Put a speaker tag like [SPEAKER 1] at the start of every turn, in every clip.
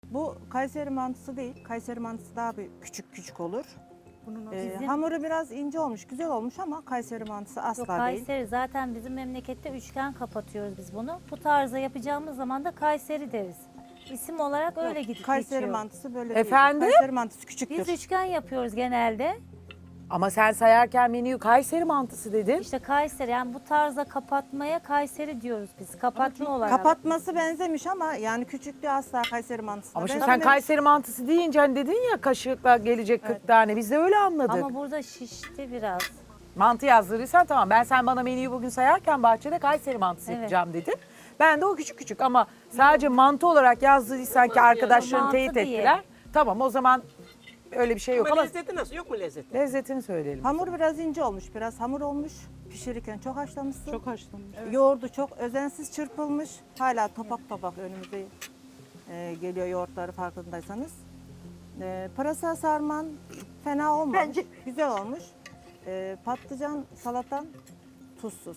[SPEAKER 1] Bu Kayseri mantısı değil. Kayseri mantısı daha bir küçük küçük olur. Hamuru biraz ince olmuş, güzel olmuş ama Kayseri mantısı asla
[SPEAKER 2] Yok,
[SPEAKER 1] değil.
[SPEAKER 2] Kayseri zaten bizim memlekette üçgen kapatıyoruz biz bunu. Bu tarzda yapacağımız zaman da Kayseri deriz. İsim olarak öyle gidip
[SPEAKER 1] Kayseri
[SPEAKER 2] geçiyor.
[SPEAKER 1] mantısı böyle
[SPEAKER 3] Efendim?
[SPEAKER 1] değil. Kayseri mantısı küçüktür.
[SPEAKER 2] Biz üçgen yapıyoruz genelde.
[SPEAKER 3] Ama sen sayarken menüyü Kayseri mantısı dedin.
[SPEAKER 2] İşte Kayseri, yani bu tarzda kapatmaya Kayseri diyoruz biz. Kapatma olarak.
[SPEAKER 1] Kapatması benzemiş ama yani küçüklüğü asla Kayseri mantısına
[SPEAKER 3] Ama şimdi sen
[SPEAKER 1] benzememiş.
[SPEAKER 3] Kayseri mantısı deyince hani dedin ya kaşıkla gelecek 40 tane. Biz de öyle anladık.
[SPEAKER 2] Ama burada şişti biraz.
[SPEAKER 3] Mantı yazdırırsan tamam. Sen bana menüyü bugün sayarken bahçede Kayseri mantısı
[SPEAKER 2] Evet.
[SPEAKER 3] yapacağım dedin. Ben de o küçük küçük ama sadece mantı olarak yazdıysan ki arkadaşların
[SPEAKER 2] Mantı
[SPEAKER 3] teyit
[SPEAKER 2] diye.
[SPEAKER 3] ettiler. Tamam o zaman öyle bir şey yok
[SPEAKER 4] Ama
[SPEAKER 3] ama
[SPEAKER 4] lezzeti nasıl? Yok mu lezzeti?
[SPEAKER 3] lezzetini söyleyelim.
[SPEAKER 1] Hamur biraz ince olmuş, biraz hamur olmuş. Pişirirken çok haşlamışsın.
[SPEAKER 5] Çok haşlanmış.
[SPEAKER 1] Yoğurdu çok özensiz çırpılmış. Hala topak topak önümüze geliyor yoğurtları farkındaysanız. Pırasa sarman fena olmamış.
[SPEAKER 6] Bence-
[SPEAKER 1] Güzel olmuş. Patlıcan salatan tuzsuz.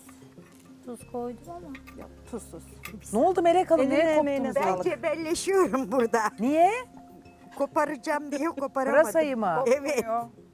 [SPEAKER 2] Tuz koydum ama.
[SPEAKER 1] Yok, tuzsuz.
[SPEAKER 3] Ne oldu Melek Hanım?
[SPEAKER 1] Eline
[SPEAKER 3] Neye
[SPEAKER 1] emeğine
[SPEAKER 3] koptunuz?
[SPEAKER 1] sağlık.
[SPEAKER 6] Ben cebelleşiyorum burada.
[SPEAKER 3] Niye?
[SPEAKER 6] Koparacağım diye koparamadım.
[SPEAKER 3] Pırasayı mı?
[SPEAKER 6] Evet.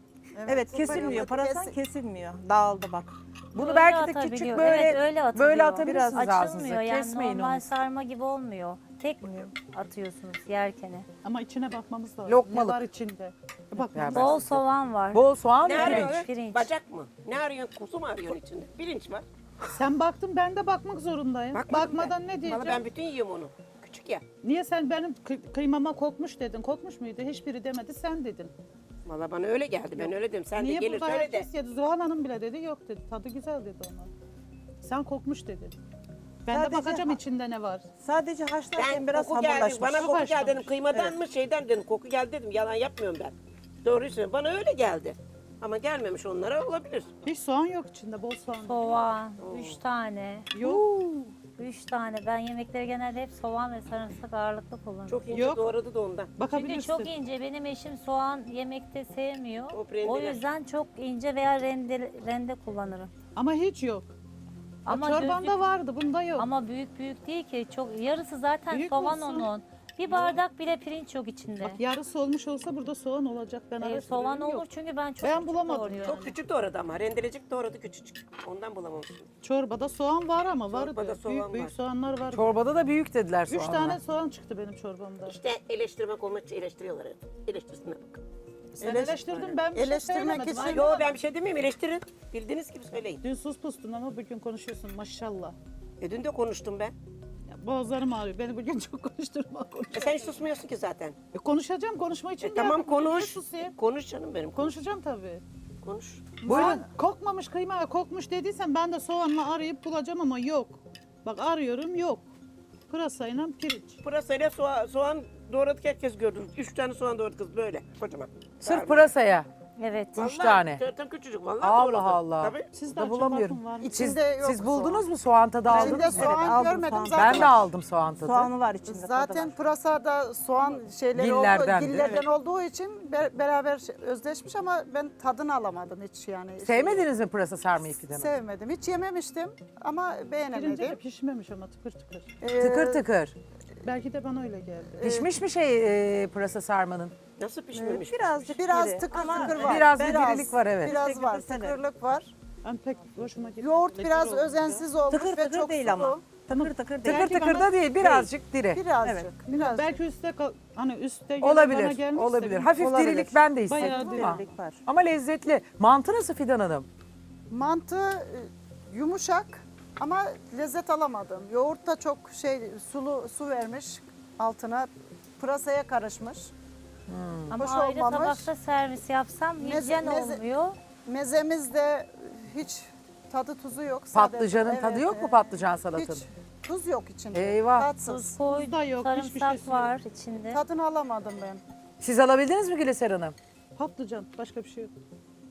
[SPEAKER 1] Evet kesilmiyor.
[SPEAKER 6] Koparamadım,
[SPEAKER 1] Parasan kesilmiyor. Dağıldı bak.
[SPEAKER 3] Bunu
[SPEAKER 2] Öyle
[SPEAKER 3] belki de
[SPEAKER 2] atabiliyor.
[SPEAKER 3] küçük böyle
[SPEAKER 2] Evet, öyle atılıyor.
[SPEAKER 3] böyle atabilirsiniz
[SPEAKER 2] Biraz
[SPEAKER 3] ağzınıza.
[SPEAKER 2] açılmıyor, yani
[SPEAKER 3] Kesmeyin
[SPEAKER 2] normal
[SPEAKER 3] onu.
[SPEAKER 2] sarma gibi olmuyor. Tek atıyorsunuz yerkene.
[SPEAKER 5] Ama içine bakmamız lazım.
[SPEAKER 3] Lokmalık.
[SPEAKER 5] Ne var içinde? Bakmamız
[SPEAKER 3] Ben
[SPEAKER 2] Bol
[SPEAKER 3] size-
[SPEAKER 2] soğan var.
[SPEAKER 3] Bol soğan
[SPEAKER 4] Ne
[SPEAKER 3] ve pirinç.
[SPEAKER 4] arıyorsun?
[SPEAKER 2] pirinç.
[SPEAKER 4] Bacak mı? Ne arıyorsun? Kuzu mu arıyorsun içinde? Pirinç var.
[SPEAKER 5] Sen baktın, ben de bakmak zorundayım.
[SPEAKER 4] Bakmadım
[SPEAKER 5] Bakmadan
[SPEAKER 4] ben.
[SPEAKER 5] ne diyeceğim?
[SPEAKER 4] Vallahi ben bütün yiyorum onu. Küçük ya.
[SPEAKER 5] Niye sen benim kıymama kokmuş dedin? Kokmuş muydu? Hiçbiri demedi, sen dedin.
[SPEAKER 4] Valla bana öyle geldi. Ben öyle dedim. Sen
[SPEAKER 5] Niye
[SPEAKER 4] de gelir
[SPEAKER 5] burada
[SPEAKER 4] söyle de.
[SPEAKER 5] herkes yedi? Zuhal Hanım bile dedi, yok dedi. Tadı güzel dedi ona. Sen kokmuş dedin. Ben
[SPEAKER 1] Sadece
[SPEAKER 5] de bakacağım
[SPEAKER 1] ha-
[SPEAKER 5] içinde ne var.
[SPEAKER 1] Sadece haşlarken
[SPEAKER 4] Ben
[SPEAKER 1] biraz
[SPEAKER 4] koku geldi.
[SPEAKER 1] hamurlaşmış.
[SPEAKER 4] Bana
[SPEAKER 5] Çok
[SPEAKER 4] koku geldi dedim.
[SPEAKER 5] haşlanmış.
[SPEAKER 4] Kıymadan mı şeyden dedim. Koku geldi dedim. Yalan yapmıyorum ben. Doğruyu söylüyorum. Bana öyle geldi. Ama gelmemiş onlara olabilir.
[SPEAKER 5] Hiç soğan yok içinde, bol soğan.
[SPEAKER 2] Soğan, 3 tane.
[SPEAKER 5] Yok.
[SPEAKER 2] 3 tane. Ben yemekleri genelde hep soğan ve sarımsak ağırlıklı kullanıyorum.
[SPEAKER 4] Çok ince
[SPEAKER 5] Yok.
[SPEAKER 4] doğradı da ondan.
[SPEAKER 2] Çünkü
[SPEAKER 5] Bakabilirsin.
[SPEAKER 2] çok ince. Benim eşim soğan yemekte sevmiyor.
[SPEAKER 4] O rendeler.
[SPEAKER 2] O yüzden çok ince veya rende kullanırım.
[SPEAKER 5] Ama hiç yok.
[SPEAKER 2] Ama
[SPEAKER 5] Ama çorbanda
[SPEAKER 2] gözlük-
[SPEAKER 5] vardı, bunda yok.
[SPEAKER 2] Ama büyük büyük değil ki. Çok yarısı zaten
[SPEAKER 5] Büyük
[SPEAKER 2] soğan
[SPEAKER 5] olsun.
[SPEAKER 2] onun. Bir bardak bile pirinç yok içinde.
[SPEAKER 5] Bak yarısı olmuş olsa burada soğan olacak. Ben
[SPEAKER 2] Soğan
[SPEAKER 5] araştırıyorum,
[SPEAKER 2] olur
[SPEAKER 5] yok.
[SPEAKER 2] çünkü ben çok
[SPEAKER 5] Ben
[SPEAKER 2] küçük
[SPEAKER 5] bulamadım.
[SPEAKER 2] doğruyorum.
[SPEAKER 4] Çok küçük doğradı ama. Rendelecik doğradı küçücük. Ondan bulamamışım.
[SPEAKER 5] Çorbada soğan var ama vardı.
[SPEAKER 4] Çorbada soğan
[SPEAKER 5] büyük, büyük
[SPEAKER 4] var.
[SPEAKER 5] soğanlar var.
[SPEAKER 3] Çorbada da büyük dediler
[SPEAKER 5] 3
[SPEAKER 3] soğanlar.
[SPEAKER 5] tane soğan çıktı benim çorbamda.
[SPEAKER 4] İşte eleştirmek olmak için eleştiriyorlar hep. Eleştirsinler bak.
[SPEAKER 5] Sen eleştirdin, ben bir şey
[SPEAKER 6] Eleştirmek
[SPEAKER 5] söylemedim.
[SPEAKER 6] için-
[SPEAKER 5] Aynen.
[SPEAKER 4] Yo ben bir şey demeyeyim eleştirin. Bildiğiniz gibi söyleyin.
[SPEAKER 5] Dün sus pustun ama bugün konuşuyorsun maşallah.
[SPEAKER 4] Dün de konuştum ben.
[SPEAKER 5] Ya, boğazlarım ağrıyor. Beni bugün çok konuşturma.
[SPEAKER 4] Sen hiç susmuyorsun ki zaten.
[SPEAKER 5] Konuşacağım, konuşma için
[SPEAKER 4] Tamam
[SPEAKER 5] geldim. Niye
[SPEAKER 4] konuş.
[SPEAKER 5] susayım?
[SPEAKER 4] Konuş canım benim.
[SPEAKER 5] Konuşacağım tabii.
[SPEAKER 4] Konuş.
[SPEAKER 5] Sen kokmamış kıyma, kokmuş dediysen ben de soğanla arayıp bulacağım ama yok. Bak arıyorum, yok. Pırasayla pirinç.
[SPEAKER 4] Pırasayla soğan doğradık herkes gördü. 3 tane soğan doğradı kız böyle. Kocaman.
[SPEAKER 3] Sırf pırasaya.
[SPEAKER 2] Evet.
[SPEAKER 3] Üç tane.
[SPEAKER 4] Zaten küçücük vallahi
[SPEAKER 3] Allah
[SPEAKER 4] doğradı.
[SPEAKER 3] Allah.
[SPEAKER 4] Tabii.
[SPEAKER 5] Siz de
[SPEAKER 3] Da
[SPEAKER 5] açın
[SPEAKER 3] bulamıyorum.
[SPEAKER 5] bakın var mı?
[SPEAKER 3] Siz,
[SPEAKER 6] İçinde yok
[SPEAKER 3] siz buldunuz
[SPEAKER 6] soğan.
[SPEAKER 3] mu soğan tadı aldınız
[SPEAKER 6] İçinde
[SPEAKER 3] mı?
[SPEAKER 6] soğan
[SPEAKER 1] aldım
[SPEAKER 6] görmedim
[SPEAKER 1] soğan.
[SPEAKER 6] zaten.
[SPEAKER 3] Ben de aldım soğan tadı.
[SPEAKER 1] Soğanı var içinde. tadı
[SPEAKER 6] Zaten
[SPEAKER 1] var.
[SPEAKER 6] pırasada soğan şeyleri
[SPEAKER 3] Dillerden,
[SPEAKER 6] olduğu, dillerden olduğu için beraber özleşmiş ama ben tadını alamadım hiç yani.
[SPEAKER 3] Sevmediniz mi pırasa sarmayı Fidan Hanım?
[SPEAKER 6] Sevmedim. Hiç yememiştim ama
[SPEAKER 5] Pirinci de
[SPEAKER 6] beğenemedim.
[SPEAKER 5] pişmemiş ama tıkır tıkır.
[SPEAKER 3] Tıkır tıkır.
[SPEAKER 5] Belki de bana öyle geldi.
[SPEAKER 3] Pişmiş mi pırasa sarmanın?
[SPEAKER 4] Nasıl pişmemiş?
[SPEAKER 1] Birazcık
[SPEAKER 6] Biraz
[SPEAKER 1] diri.
[SPEAKER 6] tıkır
[SPEAKER 1] Ama
[SPEAKER 6] tıkır var.
[SPEAKER 3] Biraz bir dirilik var, evet.
[SPEAKER 6] Biraz var,
[SPEAKER 1] Tıkır tıkır.
[SPEAKER 6] tıkırlık var.
[SPEAKER 5] Ben pek hoşuma gitti.
[SPEAKER 6] Yoğurt
[SPEAKER 5] Lekir
[SPEAKER 6] biraz
[SPEAKER 5] oldu.
[SPEAKER 6] özensiz olmuş
[SPEAKER 1] Tıkır
[SPEAKER 6] ve
[SPEAKER 1] tıkır
[SPEAKER 6] çok
[SPEAKER 1] değil
[SPEAKER 6] sulu.
[SPEAKER 1] ama. Tıkır tıkır değil.
[SPEAKER 3] Tıkır
[SPEAKER 5] Belki
[SPEAKER 3] tıkır
[SPEAKER 5] bana-
[SPEAKER 3] da değil, birazcık diri.
[SPEAKER 6] Birazcık,
[SPEAKER 1] Evet.
[SPEAKER 6] birazcık.
[SPEAKER 5] Belki hani üstte gelen bana
[SPEAKER 3] Olabilir,
[SPEAKER 5] gelmişse
[SPEAKER 3] olabilir.
[SPEAKER 5] bir-
[SPEAKER 3] Hafif
[SPEAKER 1] Olabilir.
[SPEAKER 3] dirilik ben de
[SPEAKER 5] Bayağı
[SPEAKER 3] hissettim ama.
[SPEAKER 1] Dirilik var.
[SPEAKER 3] Ama lezzetli. Mantı nasıl Fidan Hanım?
[SPEAKER 6] Mantı yumuşak ama lezzet alamadım. Yoğurt da çok su vermiş altına. Pırasaya karışmış.
[SPEAKER 2] Ama
[SPEAKER 6] Hoş
[SPEAKER 2] ayrı
[SPEAKER 6] olmamış.
[SPEAKER 2] tabakta servis yapsam hijyen
[SPEAKER 6] meze-
[SPEAKER 2] olmuyor.
[SPEAKER 6] Mezemiz de hiç tadı tuzu yok.
[SPEAKER 3] Patlıcanın
[SPEAKER 6] Evet,
[SPEAKER 3] tadı yok mu
[SPEAKER 6] evet.
[SPEAKER 3] patlıcan salatanın?
[SPEAKER 6] Hiç tuz yok içinde.
[SPEAKER 3] Eyvah.
[SPEAKER 6] Tatsız.
[SPEAKER 2] Tuz koy,
[SPEAKER 5] Tuz da yok, hiçbir
[SPEAKER 2] sarımsak
[SPEAKER 5] şeysi
[SPEAKER 2] var içinde.
[SPEAKER 6] Tadını alamadım ben.
[SPEAKER 3] Siz alabildiniz mi Güleser Hanım?
[SPEAKER 5] Patlıcan, başka bir şey yok.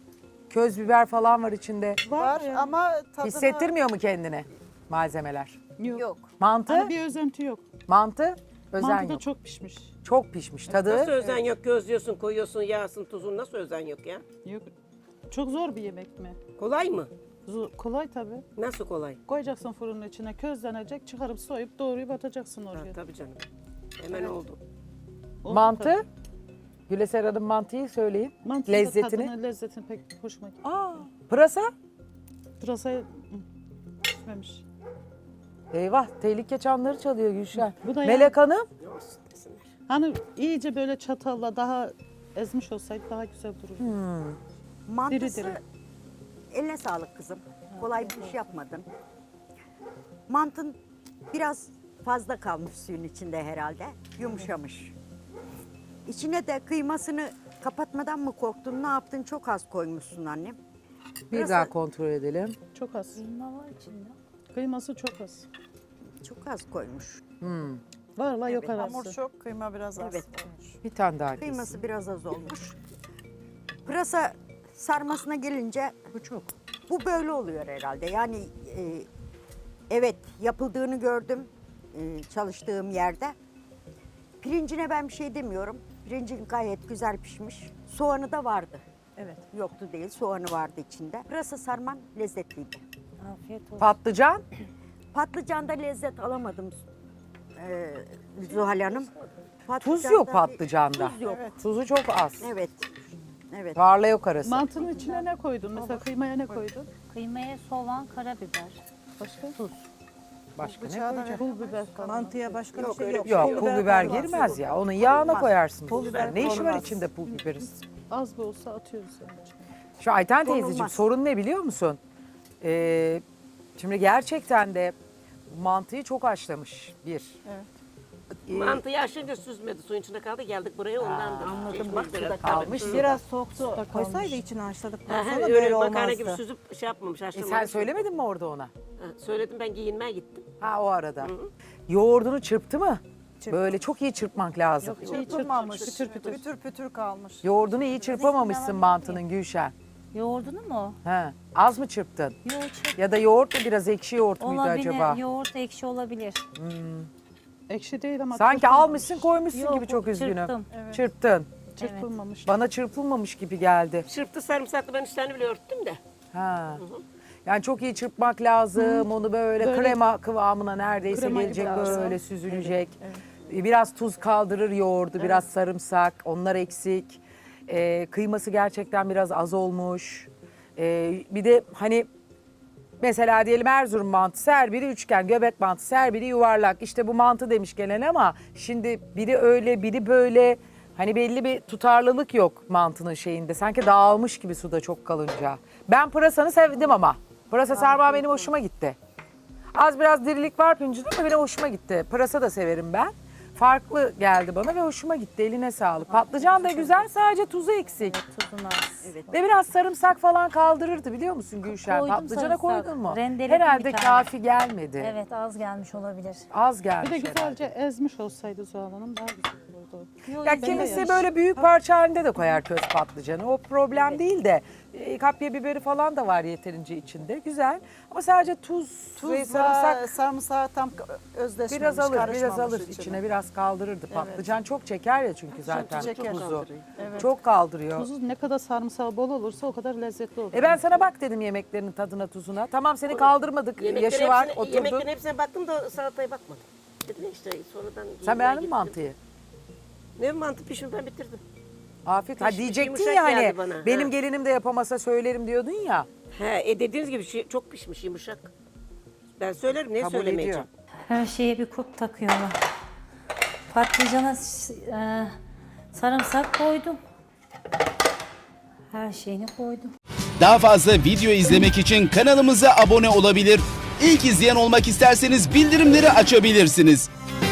[SPEAKER 3] Köz biber falan var içinde.
[SPEAKER 6] Var ama tadını
[SPEAKER 3] Hissettirmiyor mu kendine malzemeler?
[SPEAKER 6] yok.
[SPEAKER 3] Mantı?
[SPEAKER 5] Hani bir özenti yok.
[SPEAKER 3] Mantı? Özen
[SPEAKER 5] Mantı da
[SPEAKER 3] yok.
[SPEAKER 5] çok pişmiş.
[SPEAKER 3] Çok pişmiş. Tadı?
[SPEAKER 4] Nasıl özen yok? Gözlüyorsun, koyuyorsun, yağsın, tuzun. Nasıl özen yok ya?
[SPEAKER 5] Yok. Çok zor bir yemek mi?
[SPEAKER 4] Kolay mı?
[SPEAKER 5] Kolay tabii.
[SPEAKER 4] Nasıl kolay?
[SPEAKER 5] Koyacaksın fırının içine, közlenecek, çıkarıp soyup doğrayıp atacaksın
[SPEAKER 4] Ha,
[SPEAKER 5] oraya.
[SPEAKER 4] tabii canım. Hemen oldu.
[SPEAKER 3] Mantı? Güleser Hanım mantıyı söyleyin.
[SPEAKER 5] Mantının da
[SPEAKER 3] Lezzetini.
[SPEAKER 5] tadını, lezzetini pek hoşuma gitti.
[SPEAKER 3] Aa, pırasa?
[SPEAKER 5] Pırasayı pişmemiş.
[SPEAKER 3] Eyvah, tehlike çanları çalıyor Gülşen.
[SPEAKER 5] Bu da
[SPEAKER 3] Melek Hanım?
[SPEAKER 5] Hani iyice böyle çatalla daha ezmiş olsaydı daha güzel dururdu.
[SPEAKER 7] Mantısı
[SPEAKER 5] Diri diri.
[SPEAKER 7] eline sağlık kızım. Kolay bir iş yapmadın. Mantın biraz fazla kalmış suyun içinde herhalde. Yumuşamış. İçine de kıymasını kapatmadan mı korktun, ne yaptın? Çok az koymuşsun annem.
[SPEAKER 3] Bir
[SPEAKER 7] Pırasa-
[SPEAKER 3] daha kontrol edelim.
[SPEAKER 5] Çok az.
[SPEAKER 2] Kıyma var içinde.
[SPEAKER 5] Kıyması çok az.
[SPEAKER 7] Çok az koymuş.
[SPEAKER 5] Var yok
[SPEAKER 7] Evet,
[SPEAKER 5] arası.
[SPEAKER 6] Hamur çok, kıyma biraz az.
[SPEAKER 7] Evet.
[SPEAKER 3] Bir tane daha kesin.
[SPEAKER 7] Kıyması biraz az olmuş. Pırasa sarmasına gelince bu çok. Bu böyle oluyor herhalde. Yani evet, yapıldığını gördüm çalıştığım yerde. Pirincine ben bir şey demiyorum. Pirincin gayet güzel pişmiş. Soğanı da vardı.
[SPEAKER 6] Evet.
[SPEAKER 7] Yoktu değil, soğanı vardı içinde. Pırasa sarman lezzetliydi.
[SPEAKER 2] Afiyet olsun.
[SPEAKER 3] Patlıcan?
[SPEAKER 7] Patlıcanda lezzet alamadım Zuhal Hanım.
[SPEAKER 3] Tuz
[SPEAKER 7] Patlıcanda
[SPEAKER 3] yok
[SPEAKER 7] bir-
[SPEAKER 3] patlıcanda.
[SPEAKER 7] Tuz yok.
[SPEAKER 3] Tuzu çok az.
[SPEAKER 7] Evet. Evet.
[SPEAKER 3] Tarla yok arası.
[SPEAKER 5] Mantının içine ne koydun? Mesela kıymaya ne koydun?
[SPEAKER 2] Kıymaya soğan, karabiber.
[SPEAKER 5] Başka?
[SPEAKER 2] Tuz.
[SPEAKER 3] Başka ne
[SPEAKER 6] Bıçağı da
[SPEAKER 3] koyacaksın?
[SPEAKER 5] Pul biber falan.
[SPEAKER 1] Mantıya başka
[SPEAKER 7] Yok,
[SPEAKER 1] bir şey
[SPEAKER 7] öyle
[SPEAKER 1] yok.
[SPEAKER 7] bir şey
[SPEAKER 3] Yok, pul biber girmez ya. Onun yağına koyarsın pul biber. Ne işi var
[SPEAKER 6] konmaz.
[SPEAKER 3] içinde pul biberin?
[SPEAKER 5] Az da olsa atıyoruz yani.
[SPEAKER 3] Şu Ayten teyzeciğim
[SPEAKER 7] Konulmaz.
[SPEAKER 3] sorun ne biliyor musun? Şimdi gerçekten de mantıyı çok haşlamış bir.
[SPEAKER 4] Mantıyı aşınca süzmedi. Suyun içinde kaldı. Geldik buraya ondan da.
[SPEAKER 7] Anladım. Bak suda
[SPEAKER 3] kalmış.
[SPEAKER 1] Biraz soğuk su koysaydı içine haşladıktan sonra
[SPEAKER 4] Öyle
[SPEAKER 1] böyle
[SPEAKER 4] makarna gibi
[SPEAKER 1] olmazdı.
[SPEAKER 4] süzüp şey yapmamış. Haşlamamış.
[SPEAKER 3] Sen söylemedin mi orada ona?
[SPEAKER 4] Ha, söyledim, ben giyinmeye gittim.
[SPEAKER 3] Ha o arada. Yoğurdunu çırptı mı? Böyle çok iyi çırpmak lazım.
[SPEAKER 6] Çırpılmamış. Pütür pütür kalmış.
[SPEAKER 3] Yoğurdunu iyi çırpamamışsın mantının Gülşen.
[SPEAKER 2] Yoğurdunu mu?
[SPEAKER 3] He. Az mı çırptın?
[SPEAKER 2] Yoğurt
[SPEAKER 3] Ya da yoğurt mu biraz ekşi yoğurt muydu
[SPEAKER 2] olabilir.
[SPEAKER 3] acaba?
[SPEAKER 2] Yoğurt ekşi olabilir.
[SPEAKER 5] Ekşi değil ama
[SPEAKER 3] Sanki
[SPEAKER 5] çırpılmamış.
[SPEAKER 3] almışsın koymuşsun
[SPEAKER 2] Yok,
[SPEAKER 3] gibi çok üzgünüm.
[SPEAKER 2] çırptım.
[SPEAKER 3] Çırptın.
[SPEAKER 5] Çırpılmamış.
[SPEAKER 3] Bana çırpılmamış gibi geldi.
[SPEAKER 4] Çırptı sarımsaklı, ben üstlerini bile örttüm de.
[SPEAKER 3] Ha. Yani çok iyi çırpmak lazım. Onu böyle, krema kıvamına neredeyse
[SPEAKER 5] Krema
[SPEAKER 3] gelecek,
[SPEAKER 5] gibi lazım.
[SPEAKER 3] böyle süzülecek. Biraz tuz kaldırır yoğurdu, biraz sarımsak. Onlar eksik. Kıyması gerçekten biraz az olmuş. Bir de hani mesela diyelim Erzurum mantısı, her biri üçgen, göbek mantısı, her biri yuvarlak. İşte bu mantı demiş gelen ama şimdi biri öyle, biri böyle. Hani belli bir tutarlılık yok mantının şeyinde. Sanki dağılmış gibi suda çok kalınca. Ben pırasanı sevdim ama. Pırasa sarma benim hoşuma gitti. Az biraz dirilik var pincinde ama benim hoşuma gitti. Pırasa da severim ben. Farklı geldi bana ve hoşuma gitti. Eline sağlık. Patlıcan da güzel, sadece tuzu eksik.
[SPEAKER 2] Tuzunu az.
[SPEAKER 3] Ve biraz sarımsak falan kaldırırdı biliyor musun Gülşen?
[SPEAKER 2] Koydum
[SPEAKER 3] Patlıcana
[SPEAKER 2] sarımsak.
[SPEAKER 3] koydun mu?
[SPEAKER 2] Rendeledim
[SPEAKER 3] Herhalde
[SPEAKER 2] bir tane.
[SPEAKER 3] kafi gelmedi.
[SPEAKER 2] Evet, az gelmiş olabilir.
[SPEAKER 3] Az
[SPEAKER 5] Bir
[SPEAKER 3] gelmiş
[SPEAKER 5] de
[SPEAKER 3] herhalde.
[SPEAKER 5] güzelce ezmiş olsaydı Zuhal Hanım daha güzel olurdu.
[SPEAKER 3] Ya kimisi böyle büyük parça halinde de koyar köz patlıcanı. O problem değil de kapya biberi falan da var yeterince içinde. Güzel. Ama sadece tuz ve sarımsak
[SPEAKER 6] Sarımsağı tam özdeşmemiş,
[SPEAKER 3] biraz alır, biraz
[SPEAKER 6] karışmamış
[SPEAKER 3] alır. İçine biraz kaldırırdı. Patlıcan çok çeker ya çünkü zaten
[SPEAKER 6] çeker.
[SPEAKER 3] tuzu. Çok kaldırıyor.
[SPEAKER 5] Tuzu ne kadar sarımsağı bol olursa o kadar lezzetli olur.
[SPEAKER 3] Ben sana bak dedim yemeklerinin tadına tuzuna. Tamam seni kaldırmadık. Yaşı var oturdun.
[SPEAKER 4] Yemeklerin hepsine baktım da salataya bakmadım. Dedim işte sonradan
[SPEAKER 3] Sen
[SPEAKER 4] giyinmeye
[SPEAKER 3] beğendin mi
[SPEAKER 4] gittim.
[SPEAKER 3] mantıyı?
[SPEAKER 4] Ne mantı pişirdim, ben bitirdim.
[SPEAKER 3] Afiyet. Ha
[SPEAKER 4] Pişmiş,
[SPEAKER 3] diyecektin
[SPEAKER 4] yumuşak
[SPEAKER 3] ya hani
[SPEAKER 4] geldi bana,
[SPEAKER 3] benim
[SPEAKER 4] ha.
[SPEAKER 3] gelinim de yapamasa söylerim diyordun ya.
[SPEAKER 4] He, dediğiniz gibi çok pişmiş, yumuşak. Ben söylerim, ne
[SPEAKER 3] Kabul
[SPEAKER 4] söylemeyeceğim.
[SPEAKER 3] ediyor.
[SPEAKER 2] Her şeye bir kulp takıyorlar. Patlıcana sarımsak koydum. Her şeyini koydum.
[SPEAKER 8] Daha fazla video izlemek için kanalımıza abone olabilir. İlk izleyen olmak isterseniz bildirimleri açabilirsiniz.